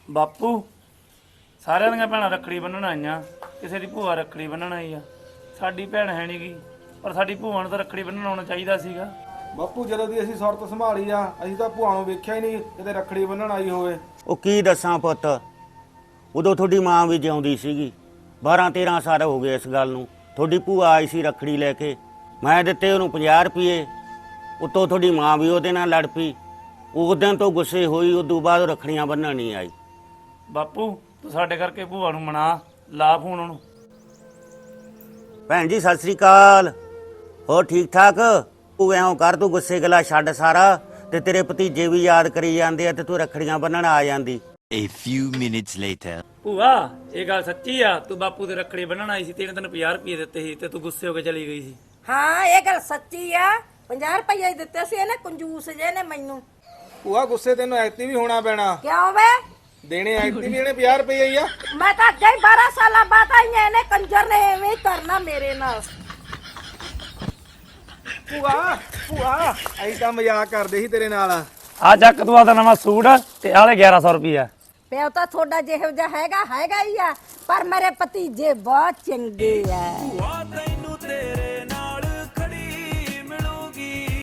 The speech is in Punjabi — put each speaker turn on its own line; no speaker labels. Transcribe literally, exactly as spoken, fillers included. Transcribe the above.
ਬਾਪੂ ਸਾਰਿਆਂ ਦੀਆਂ ਭੈਣਾਂ ਰੱਖੜੀ ਬੰਨਣ ਆਈਆਂ, ਕਿਸੇ ਦੀ ਭੂਆ ਰੱਖੜੀ ਬੰਨਣ ਆਈ ਆ। ਸਾਡੀ ਭੈਣ ਹੈ ਨੀ ਗੀ, ਪਰ ਸਾਡੀ ਭੂਆ ਨੂੰ ਤਾਂ ਰੱਖੜੀ ਬੰਨਣ ਆਉਣਾ ਚਾਹੀਦਾ ਸੀਗਾ।
ਬਾਪੂ ਜਦੋਂ ਦੀ ਅਸੀਂ ਸੁਰਤ ਸੰਭਾਲੀ ਆ ਅਸੀਂ ਤਾਂ ਭੂਆ ਨੂੰ ਵੇਖਿਆ ਹੀ ਨਹੀਂ ਕਿਤੇ ਰੱਖੜੀ ਬੰਨਣ ਆਈ ਹੋਵੇ।
ਉਹ ਕੀ ਦੱਸਾਂ ਪੁੱਤ, ਉਦੋਂ ਤੁਹਾਡੀ ਮਾਂ ਵੀ ਜਿਉਂਦੀ ਸੀਗੀ। ਬਾਰਾਂ ਤੇਰਾਂ ਸਾਲ ਹੋ ਗਏ ਇਸ ਗੱਲ ਨੂੰ। ਤੁਹਾਡੀ ਭੂਆ ਆਈ ਸੀ ਰੱਖੜੀ ਲੈ ਕੇ, ਮੈਂ ਦਿੱਤੇ ਉਹਨੂੰ ਪੰਜਾਹ ਰੁਪਏ। ਉੱਤੋਂ ਤੁਹਾਡੀ ਮਾਂ ਵੀ ਉਹਦੇ ਨਾਲ ਲੜ ਪਈ। ਉਸ ਦਿਨ ਤੋਂ ਗੁੱਸੇ ਹੋਈ, ਉਦੋਂ ਬਾਅਦ ਉਹ ਰੱਖੜੀਆਂ ਬੰਨ੍ਹਣ ਨਹੀਂ ਆਈ।
ਬਾਪੂ ਤੂੰ ਸਾਡੇ ਕਰਕੇ ਭੂਆ ਨੂੰ ਮਨਾ ਲਾ ਫੋਨ ਉਹਨੂੰ।
ਭੈਣ ਜੀ ਸਤਿ ਸ੍ਰੀ ਅਕਾਲ, ਹੋਰ ਠੀਕ ਠਾਕ? ਤੂੰ ਐਂ ਕਰ, ਤੂੰ ਗੁੱਸੇ ਗਲਾ ਛੱਡ ਸਾਰਾ, ਤੇ ਤੇਰੇ ਭਤੀਜੇ ਵੀ ਯਾਦ ਕਰੀ ਜਾਂਦੇ ਆ ਤੇ ਤੂੰ ਰੱਖੜੀਆਂ ਬੰਨ੍ਹਣ ਆ ਜਾਂਦੀ।
A few minutes later.
ਭੂਆ ਇਹ ਗੱਲ ਸੱਚੀ ਆ? ਤੂੰ ਬਾਪੂ ਦੇ ਰੱਖੜੀ ਬੰਨਣ ਆਈ ਸੀ ਤੇ ਇਹਨੇ ਤੈਨੂੰ ਪੰਜਾਹ ਰੁਪਏ ਦਿੱਤੇ ਸੀ ਤੇ ਤੂੰ ਗੁੱਸੇ ਹੋ ਕੇ ਚਲੀ ਗਈ ਸੀ।
ਹਾਂ ਇਹ ਗੱਲ ਸੱਚੀ ਆ। ਪੰਜਾਹ ਰੁਪਏ ਹੀ ਦਿੱਤੇ ਸੀ ਇਹਨੇ, ਕੰਜੂਸ ਜੇ ਨੇ ਮੈਨੂੰ।
ਭੂਆ ਗੁੱਸੇ ਤੈਨੂੰ ਐਕਟੀ ਵੀ ਹੋਣਾ ਪੈਣਾ।
ਕਿਉਂ ਵੇ?
ਦੇਣੇ ਐਕਟੀ ਵੀ ਇਹਨੇ ਪੰਜਾਹ ਰੁਪਏ ਹੀ ਆ।
ਮੈਂ ਤਾਂ ਅੱਗੇ ਹੀ ਬਾਰਾਂ ਸਾਲਾਂ ਬਾਅਦ ਆਈ ਆ, ਇਹਨੇ ਕੰਜਰ ਨੇ ਐਵੇਂ ਹੀ ਕਰਨਾ ਮੇਰੇ ਨਾਲ।
ਭੂਆ ਭੂਆ ਅਸੀਂ ਤਾਂ ਮਜ਼ਾਕ ਕਰਦੇ ਸੀ ਤੇਰੇ ਨਾਲ।
ਆ ਚੱਕ ਤੂੰ ਆਦਾ ਨਵਾਂ ਸੂਟ ਤੇ ਆਲੇ ਗਿਆਰਾਂ ਸੌ ਰੁਪਈਆ।
ਪਿਓ ਤਾਂ ਤੁਹਾਡਾ ਜਿਹੋ ਜਿਹਾ ਹੈਗਾ ਹੈਗਾ ਹੀ ਆ, ਪਰ ਮੇਰੇ ਭਤੀਜੇ ਬਹੁਤ ਚੰਗੇ ਆ।